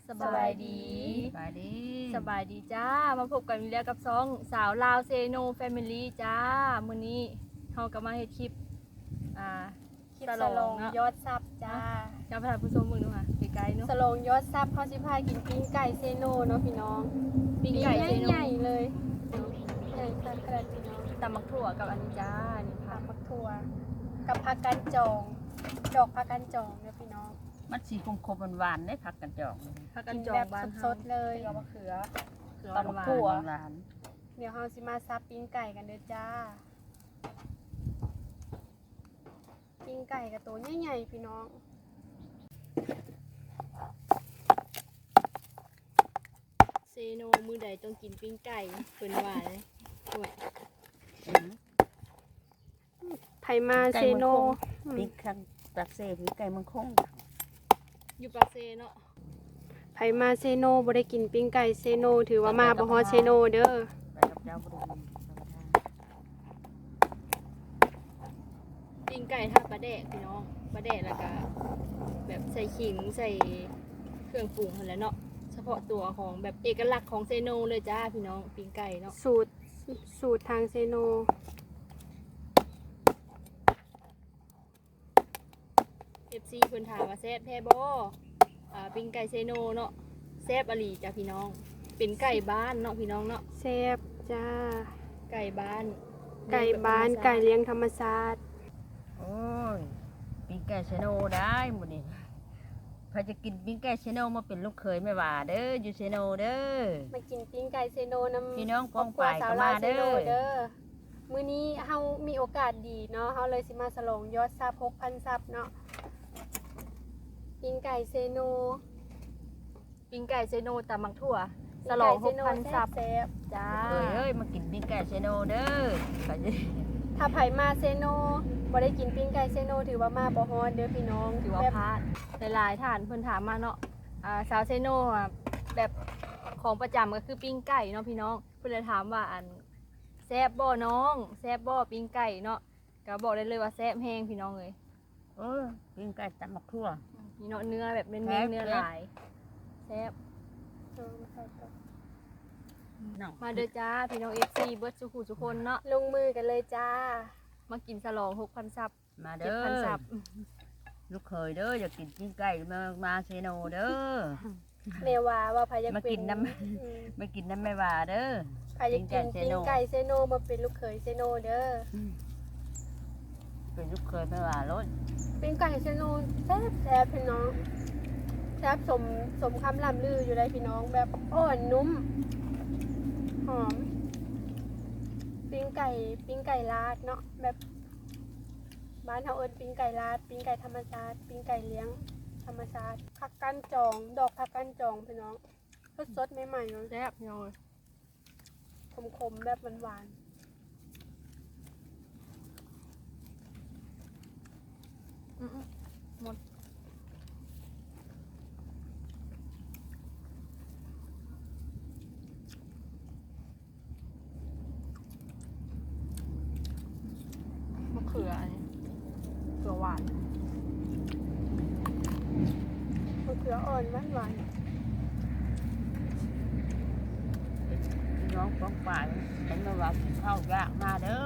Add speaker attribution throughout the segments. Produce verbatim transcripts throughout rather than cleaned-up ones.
Speaker 1: สบายดี
Speaker 2: สบายดี
Speaker 1: สบายดีจ้ามาพบกันอีกแล้วกับซองสาวลาวเซโนแฟมิลี่จ้ามื้อนี้เฮาก็มาเฮ็ดคลิปอ่า
Speaker 3: คลิปสลองยอดซับจ้า
Speaker 1: จำพาผู้ชมมึงดูค่ะไกลๆเนาะ
Speaker 3: สลองยอดซับเขาสิพากินปิ้งไก่เซโนเนาะพี่น้อง
Speaker 1: ปิ้งไก่เซโน
Speaker 3: ใหญ่ๆเลยใหญ่ขนาดขนาดพี่น้อง
Speaker 1: ตำมักถั่วกับอันนี้จ้านี่
Speaker 3: ผั
Speaker 1: ค่ะ
Speaker 3: กผักถั่วกับผักกันจองดอกผักกันจองเนี่ยพี่น้อง
Speaker 2: มันสีคมคมหวานๆได้ผักกันจอก
Speaker 1: ผักกั
Speaker 3: กิ
Speaker 1: น
Speaker 3: น
Speaker 1: จอ
Speaker 3: แบ
Speaker 1: ง
Speaker 3: บ
Speaker 1: บ้านเฮา
Speaker 3: สดๆเลย
Speaker 1: กับมะเขือเขือ
Speaker 2: ตำ
Speaker 1: หวาน
Speaker 2: ถั่ว
Speaker 1: ๆ
Speaker 2: หวาน
Speaker 3: เดี๋ยวเราสิมาซับปิ้งไก่กันเด้อจ้าปิ้งไก่กับตัวใหญ่ๆพี่น้อง
Speaker 1: เซโนมื้อใดต้องกินปิ้งไก่เพิ่นว่าเลยโอ้ย
Speaker 2: อืม
Speaker 3: ไผมาเซโน
Speaker 2: พริกข้างตักเซ่พริกไก่มังคง
Speaker 1: อยู่ปากเซเนาะ
Speaker 3: ไผมาเซโนบ่ได้กินปิ้งไก่เซโนถือว่ามาบ่ฮอดเซโนเด้อ
Speaker 2: ไปกับเจ้าบุรี
Speaker 1: ปิ้งไก่ท่าปลาแดกพี่น้องปลาแดกแล้วก็แบบใส่ขิงใส่เครื่องปรุงหั่นแหละเนาะเฉพาะตัวของแบบเอกลักษณ์ของเซโนเลยจ้าพี่น้องปิ้งไก่เนาะ
Speaker 3: สูตรสูตรทางเซโน
Speaker 1: เอฟซีเพิ่นถามว่าแซ่บแท้บ่อ่าปิ้งไก่เซโนเนาะแซ่บอหลีจ้าพี่น้องเป็นไก่บ้านเนาะพี่น้องเนาะ
Speaker 3: แซ่บจ้า
Speaker 1: ไก่บ้าน
Speaker 3: ไก่บ้านไก่เลี้ยงธรรมชาติ
Speaker 2: โอ้ยปิ้งไก่ชะโนได้หมดนี่พอจะกินปิ้งไก่ชะโนมาเป็นลูกเขยไม่ว่าเด้ออยู่ชะโนเด้อ
Speaker 3: มากินปิ้งไก่เซโนน้ำ
Speaker 2: พี่น้อง
Speaker 3: ครอบครัว
Speaker 2: ป้องไป
Speaker 3: สาว
Speaker 2: ก็
Speaker 3: ลาว
Speaker 2: มา
Speaker 3: เซ
Speaker 2: เด้
Speaker 3: โน
Speaker 2: อ
Speaker 3: เด้อมื้อนี้เฮามีโอกาสดีเนาะเฮาเลยสิมาสลองยอดซับ หกพัน ซับเนาะปิ้งไก่เซโน
Speaker 1: ปิ้งไก่เซโนตำมักถั่วสลองหกพันซับ
Speaker 3: แซ่บ
Speaker 1: จ้า
Speaker 2: เอ้ยเอ้ยมากินปิ้งไก่ชะโนเด้อไปสิ
Speaker 3: ๆถ้าไผมาเซโนบ่ได้กินปิ้งไก่เซโนถือว่ามาบ่ฮอดเด้อพี่น้อง
Speaker 1: ถือว่า
Speaker 3: แบบ
Speaker 1: พลาดหลายๆท่านเพิ่นถามมาเนาะอ่าสาวเซโนอ่ะแบบของประจำก็คือปิ้งไก่เนาะพี่น้องเพิ่นเลยถามว่าอันแซ่บบ่น้องแซ่บบ่ปิ้งไก่เนาะก็บอกได้เลยว่าแซ่บแฮงพี่น้องเอ้ย
Speaker 2: เออปิ้งไก่ตำมักทั่ว
Speaker 1: นี่เนาะเนื้อแบบเน้น
Speaker 2: แซ่บ
Speaker 1: ๆเนื้อหลายแซ่บ
Speaker 3: เออมาใส่ต่อ
Speaker 2: น้อง
Speaker 1: มาเด้อจ้าพี่น้อง เอฟ ซี เบิร์ดสุขุทุกคนเนาะ
Speaker 3: ลงมือกันเลยจ้า
Speaker 1: มากินฉลอง หกพัน ซับ
Speaker 2: มาเด้อ
Speaker 1: เจ็ดพัน ซับ
Speaker 2: ลูกเขยเด้ออยากกินปิ้งไก่มามาเซโนเด้อ
Speaker 3: แม่ว่าว่าไผอยาก
Speaker 2: มา
Speaker 3: เป็
Speaker 2: กินน้ำ
Speaker 3: อืม
Speaker 2: ไม่กินน้ำไม่ว่าเด้อ
Speaker 3: ใครจะกินปิ้งไก่เซโนมาเป็นลูกเขยเซโนเด้อ
Speaker 2: เป็นลูกเคยไม่ว่ารถ
Speaker 3: ปิ้งไก่เซโนแซ่บแซ่บพี่น้องแซ่บสมสมคำล่ำลืออยู่เลยพี่น้องแบบอ่อนนุ่มหอมปิ้งไก่ปิ้งไก่ลาดเนาะแบบบ้านเฮาเอิ้นปิ้งไก่ลาดปิ้งไก่ธรรมชาติปิ้งไก่เลี้ยงธรรมชาติผักก้านจอง ดอกผักก้านจองพี่น้องสดๆใหม่ๆเนาะ
Speaker 1: แซ่บพี่น้องเอ้ย
Speaker 3: ขมๆแบบหวาน
Speaker 1: อื้อๆหมดมะเขืออันนี้เขือหวาน
Speaker 3: ๆมะเขืออ่อนหวาน
Speaker 2: พี่น้องป้องป่ายเห็นมาว่ากินข้าวยากมาเด้อ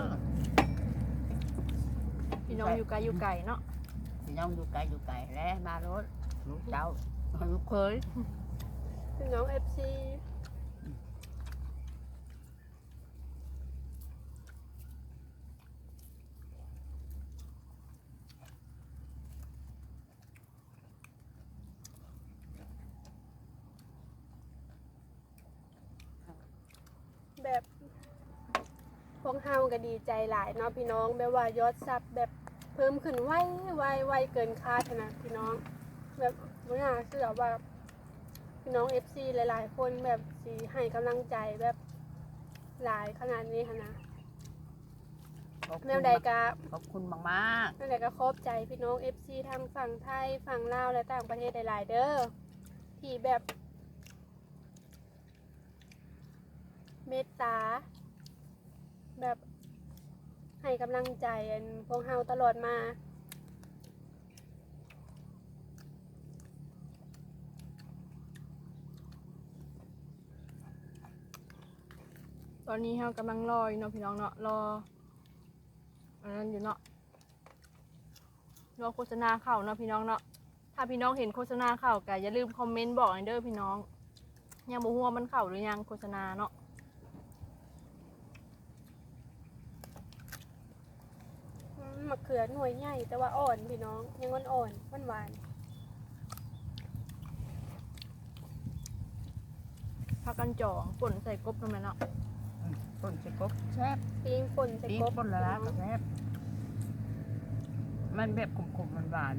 Speaker 1: พี่น้องอยู่ไกลอยู่ไกลเนาะ
Speaker 2: พี่น้องอยู่ไกลอยู่ไกลแล้วมารถลูกเจ้าลูกเคย
Speaker 3: ๆพี่น้อง เอฟ ซี แบบพวกเฮาก็ดีใจหลายเนาะพี่น้องแบบว่ายอดซับแบบเพิ่มขึ้นไวไวไวเกินคาดนะพี่น้องแบบไม่น่าเชื่อว่าพี่น้อง เอฟ ซี หลายๆ คนแบบสิให้กำลังใจแบบหลายขนาดนี้ค่ะนะ
Speaker 2: ขอบคุณ
Speaker 3: แนวใดกะ
Speaker 2: ขอบคุณมาก
Speaker 3: นั่นแหละก็ขอบใจพี่น้อง เอฟ ซี ทางฝั่งไทยฝั่งลาวและต่างประเทศหลายๆเด้อที่แบบเมตตา แบบให้กำลังใจอันพวกเฮาตลอดมา
Speaker 1: ตอนนี้เรากำลังรออยู่เนาะพี่น้องเนาะรออันนั้นอยู่เนาะรอโฆษณาเข้าเนาะพี่น้องเนาะถ้าพี่น้องเห็นโฆษณาเข้าก็อย่าลืมคอมเมนต์บอกหน่อยเด้อพี่น้องยังบ่ฮู้ว่ามันเข้าหรือยังโฆษณาเนาะ
Speaker 3: อืมมะเขือหน่วยใหญ่แต่ว่าอ่อนพี่น้องยังอ่อนๆหวาน
Speaker 1: พักกันจ่องป่นใส่กบตรงนั้นเนาะ
Speaker 2: ต้นใส่กบแซ่บ
Speaker 3: ๆปิ้งป่นใส่
Speaker 2: ปี
Speaker 3: กบ
Speaker 2: ป่นละละก็แซ่บมันแบบขมๆหวาน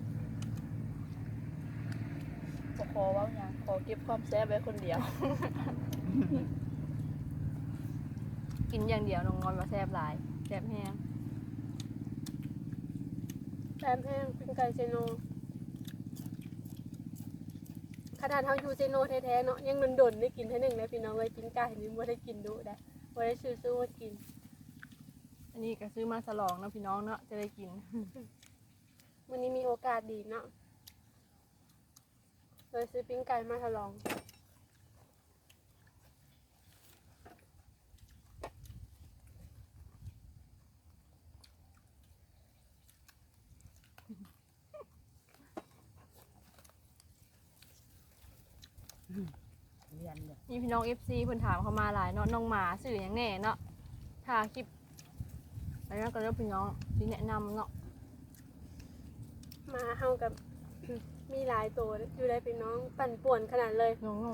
Speaker 4: ขอขอเว่าอย่างขอเก็บความแซ่บไว้คนเดียว
Speaker 1: กินอย่างเดียวน้องงอนมาแซ่บหลายแซ่บแห้ง
Speaker 3: แซมแห้งปิ้งไก่เซโนขนาดเฮาอยู่เซโนแท้ๆเนาะยังดนๆได้กินเท่านึงเลยพี่น้องเลยปิ้งไก่นี่บ่ได้กินดุได้บ่ได้ซื้อซื้อมากิน
Speaker 1: อันนี้ก็ซื้อมาสลองเนาะพี่น้องเนาะจะได้กิน
Speaker 3: วันนี้มีโอกาสดีเนาะเลยซื้อปิ้งไก่มาทดลอง
Speaker 2: เรียนเลย
Speaker 1: นี่พี่น้อง เอฟ ซี เพิ่นถามเข้ามาหลายเนาะน้องหมาสื่ออย่างแน่เนาะถ้าคลิปแล้วก็เริ่มพี่น้องที่แนะนำเนาะ
Speaker 3: มาเฮากับ มีหลายตัวอยู่ได้พี่น้องปั่นป่วนขนาดเลย
Speaker 1: น้อง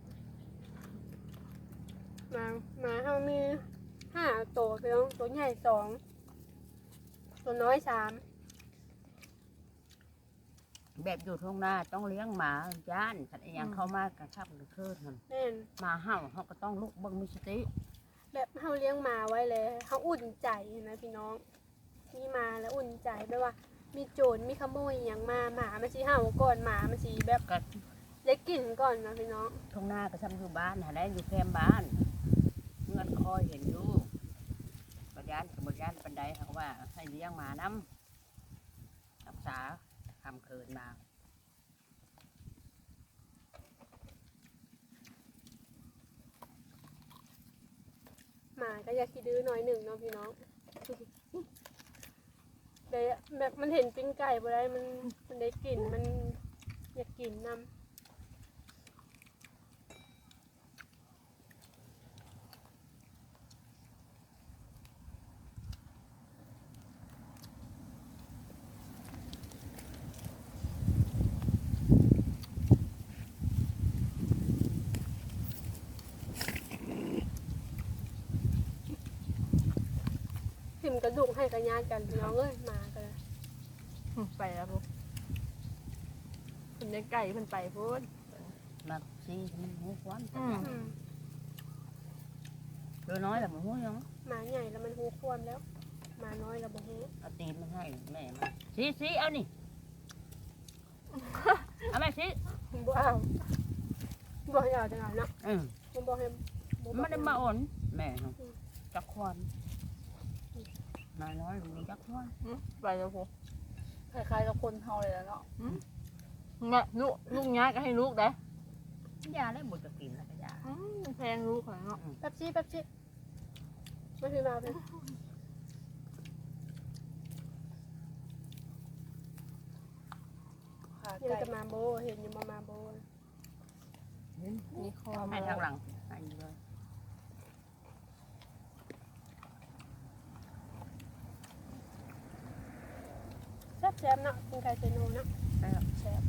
Speaker 3: มามาเฮามีห้าตัวพี่น้องตัวใหญ่สองตัวน้อยสาม
Speaker 2: แบบอยู่ทุ่งนาต้องเลี้ยงหมาย่านขันอหยังเข้ามากระชับกระเทิดมัน
Speaker 3: แน่น
Speaker 2: หมาเห่าเขาก็ต้องลุกเบิ่งมีสติ
Speaker 3: แบบเฮาเลี้ยงหมาไว้เลยเฮาอุ่นใจนะพี่น้องมีมาแล้วอุ่นใจแบบว่า มีโจรมีขโมยอหย่างมาหมามันสิเห่าก่อนหมามันสิแบบ
Speaker 2: ก็
Speaker 3: ได้กลิ่นก่อนนะพี่น้อง
Speaker 2: ทุ่งนาก็ทำอยู่บ้านหาได้อยู่แคมป์บ้านเงินคอยเห็นอยู่ปัญญานกับบญญานปันไดเขาก็ว่าให้เลี้ยงหมาน้ำรักษาทำเคินมา
Speaker 3: หมาก็อยากขี้ดื้อหน่อยหนึ่งเนาะพี่น้อง แต่แบบมันเห็นปิ้งไก่บ่ได้มันมันได้กลิ่นมันอยากกินน้ำทิมกระดูกให้กระยาดกันพี่น้องเอ้ยหมากันเลย
Speaker 1: ไปแล้วพวกเพิ่นได้ไก่เพิ่นไปพูด
Speaker 2: มาซีมันหูควัน
Speaker 1: อืม
Speaker 3: อืม
Speaker 2: ตัวน้อยแต่มันหูยัง
Speaker 3: หมาใหญ่แล้วมันหูควมแล้วหมาน้อยแล้วบ่หู
Speaker 2: เอาตีนมาให้แม่มาซีซีเอานี่ เอาแม่ซี
Speaker 3: บ่เอาบ่ให้เอาจังเอาเนาะ
Speaker 2: อืม
Speaker 3: มันบ่ให้บ่
Speaker 2: ไม่ได้มาอ่อนแม่เนาะจักควันนายน้อยมีจักควัน
Speaker 1: อืมไปแล้วพวก
Speaker 4: คล้ายๆกับคนเฮาเลยแล้วเนาะ
Speaker 1: แม่ลูกลูกย้ายก็ให้ลูกได้
Speaker 2: ยาได้หมดจะกินแล้วก็ยา
Speaker 1: อืมแพงลูกขนาดเนาะ
Speaker 3: แป๊บซี่แป๊บซี่มาพี่มาพี่
Speaker 4: ขา
Speaker 3: ยัง
Speaker 4: ไก่
Speaker 3: จะมาโบเห็นอยู่มามาโบ
Speaker 1: มีคอ
Speaker 2: ให้
Speaker 1: มา
Speaker 2: ทางหลังให้เลย
Speaker 3: แซ่บแซ่บๆเนาะกินไก่เซโนเนาะ
Speaker 2: แซ่บ
Speaker 4: แซ่บ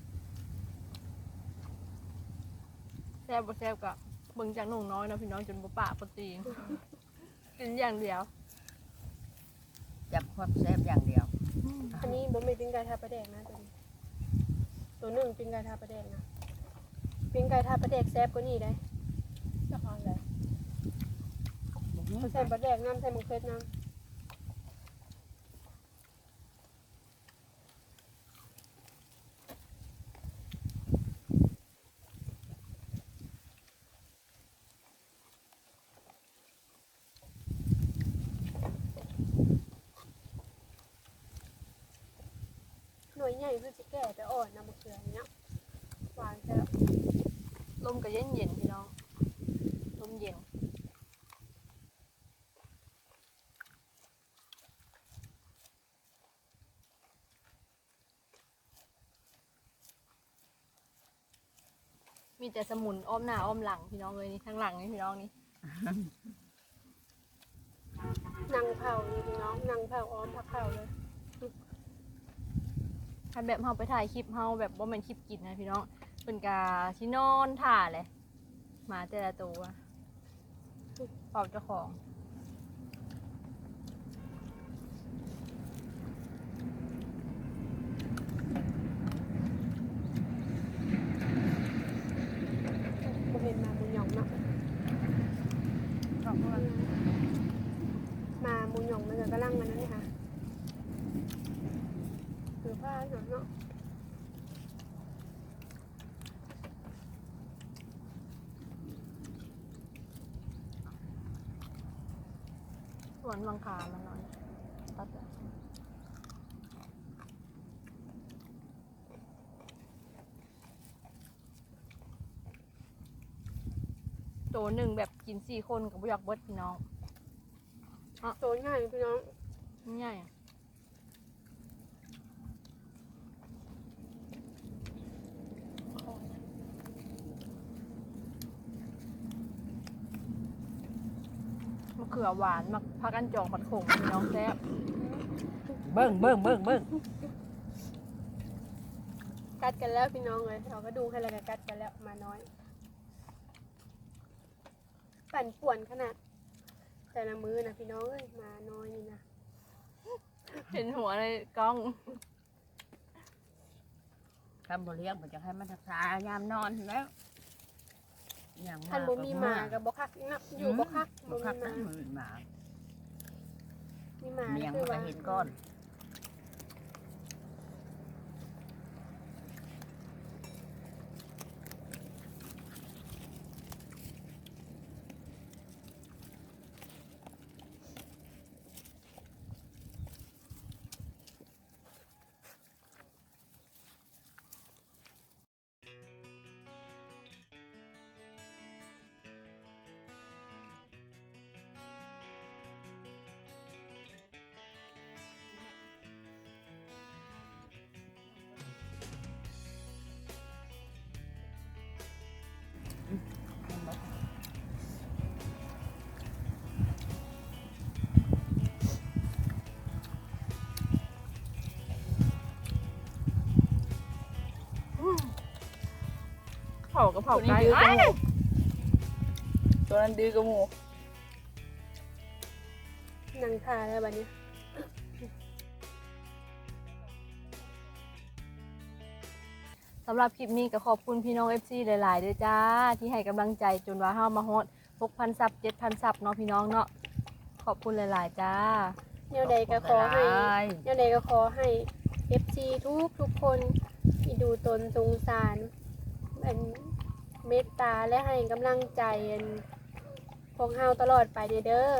Speaker 1: แซ่บบ่แซ่บก็เบิ่งจากหนุ่งน้อยเนาะพี่น้องจนบ่ปากบ่ตีงกินอย่างเดียว
Speaker 2: จับความแซ่บอย่างเดียว
Speaker 3: อันนี้บ่แม่นปิ้งไก่ทาปลาแดกนะตัวนี้ตัวหนึ่งปิ้งไก่ทาปลาแดกนะปิ้งไก่ทาปลาแดกแซ่บกว่านี้ได้
Speaker 4: จะทานอะไร
Speaker 3: ใส่ปลาแดกน้ำใส่มะเขือน้ำหน่วยใหญ่คือสิแก่แต่อ่อนนะมะเขือเนี้ยหวานแซ่บ
Speaker 1: ลมก็เย็นเย็นๆพี่น้องลมเย็นมีแต่สมุนอ้อมหน้าอ้อมหลังพี่น้องเลยนี่ทั้งหลังนี่พี่น้องนี่
Speaker 3: นางเผานี่พี่น้องนางเผาอ้อมผักเผาเลย
Speaker 1: คันแบบเฮาไปถ่ายคลิปเฮาแบบบ่แม่นคลิปกินนะพี่น้องเพิ่นกาสินอนถ่าเลยหมาแต่ละตัวเป่าเจ้าของ
Speaker 3: บ่เห็นมาบุญหยองเนาะ
Speaker 2: ขอบคุณ
Speaker 3: มาบุญหยองมันก็กำลังมันนั่นนี่ค่ะคือผ้าหน่อยเนาะ
Speaker 1: สวนมังคามันนอนตัดเลยตัวหนึ่งแบบกินสี่คนกับบุยักเบิดพี่น้อง
Speaker 3: โตง่ายพี่น้อง
Speaker 1: ง่ายอะมะเขือหวานมะพักอันจองผัดขมพี่น้องแซ่บ
Speaker 2: เบิ้งเบิ้งเบิ้งเบิ้ง
Speaker 3: กัดกันแล้วพี่น้องเลยเราก็ดูให้แล้วก็กัดกันแล้วมาน้อยปั่นป่วนขนาดแต่ละมือนะพี่น้องเอ้ยมาน้อยนี่นะ
Speaker 1: เห็นหัวในกล้อง
Speaker 2: ทำบ่เลี้ยงมันจะให้มันรักษายามนอนแล้วอย่าง
Speaker 3: ท่านบ่มีหมากับบ่คักนะอยู่บ่คัก
Speaker 2: บ่
Speaker 3: บ่
Speaker 2: คัก
Speaker 3: มี
Speaker 2: นะ
Speaker 3: หมา
Speaker 2: มือหมา
Speaker 3: มีหมา
Speaker 2: เมียง
Speaker 3: คื
Speaker 2: มั
Speaker 3: อน
Speaker 2: ก็
Speaker 3: ว่า
Speaker 2: เห็นก้อน
Speaker 1: เผากับเผา
Speaker 4: ตัวนี้
Speaker 1: ไก่
Speaker 4: ดื้อกับ
Speaker 1: อ้าย
Speaker 4: หมูตัวนั้นดื้อกับหมู
Speaker 3: นังทาแล้วบัดนี้
Speaker 1: สำหรับคลิปนี้ก็ขอบคุณพี่น้อง เอฟ ซี หลายๆด้วยจ้า ที่ให้กำลังใจจนว่าเฮามาฮอด หกพัน ซับ เจ็ดพัน ซับเนาะพี่น้องเนาะขอบคุณหลายๆจ้า
Speaker 3: แนวใดก็ขอให้แนวใดก็ขอให้ เอฟ ซี ทุกทุกคนที่ดูตนสงสารอันเมตตาและให้กำลังใจอันพวกเฮาตลอดไปเด้อเด้อ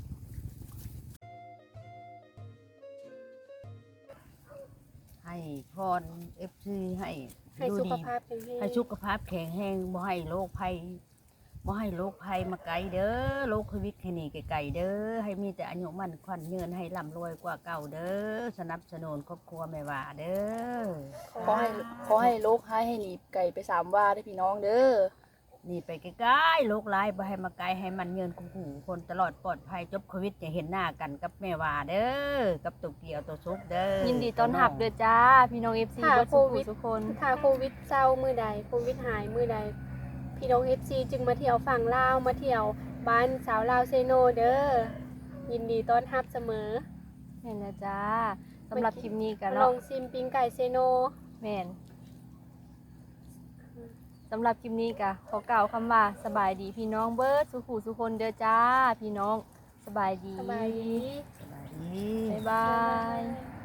Speaker 2: ให้พรเอฟซีให้
Speaker 3: ให้
Speaker 2: ดู
Speaker 3: สุข
Speaker 2: ดี
Speaker 3: ภาพแข็งแรง
Speaker 2: ให้สุขภาพแข็งแรงบ่ให้โรคภัยบ่ให้โรคภัยมาไกลเด้อโรคโควิดให้หนีไกลๆเด้อให้มีแต่อายุมั่นขวัญยืนให้ร่ำรวยกว่าเก่าเด้อสนับสนุนครอบครัวแม่ว่าเด้อ
Speaker 4: ขอให้ขอให้โลกให้ให้หนีไก่ไปสามว่าได้พี่น้องเด้อ
Speaker 2: นี่ไปใกล้ๆโรคร้ายบ่ให้มาไกลให้มันยืนคงหูคนตลอดปลอดภัยจบโควิดจะเห็นหน้ากันกับแม่ว่าเด้อกับตุกเกียวตัวซุกเด้อ
Speaker 1: ยินดีต้อนรับเด้อจ้า พี่น้อง เอฟ ซี
Speaker 3: ค่ะ
Speaker 1: เบิด
Speaker 3: โค
Speaker 1: สุ
Speaker 3: วิ
Speaker 1: ขุ
Speaker 3: ด
Speaker 1: ทุกคน
Speaker 3: ถ้าโควิดเศร้ามือใดโควิดหายมือใดพี่น้อง เอฟ ซี จึงมาเที่ยวฝั่งลาวมาเที่ยวบ้านสาวลาวเซโนเด้อยินดีต้อนรับเสมอ
Speaker 1: เห็นแล้วจ้าสำหรับคลิปนี้กัน
Speaker 3: ล
Speaker 1: เนาะ
Speaker 3: องซิมปิ้งไก่เซโน
Speaker 1: แม่นสำหรับคลิปนี้ก็ขอกล่าวคำว่าสบายดีพี่น้องเบิร์ดสุขุสุคนเด้อจ้า พี่น้องสบายดี
Speaker 3: สบายดี
Speaker 2: สบายดี
Speaker 1: บ๊ายบาย
Speaker 3: ย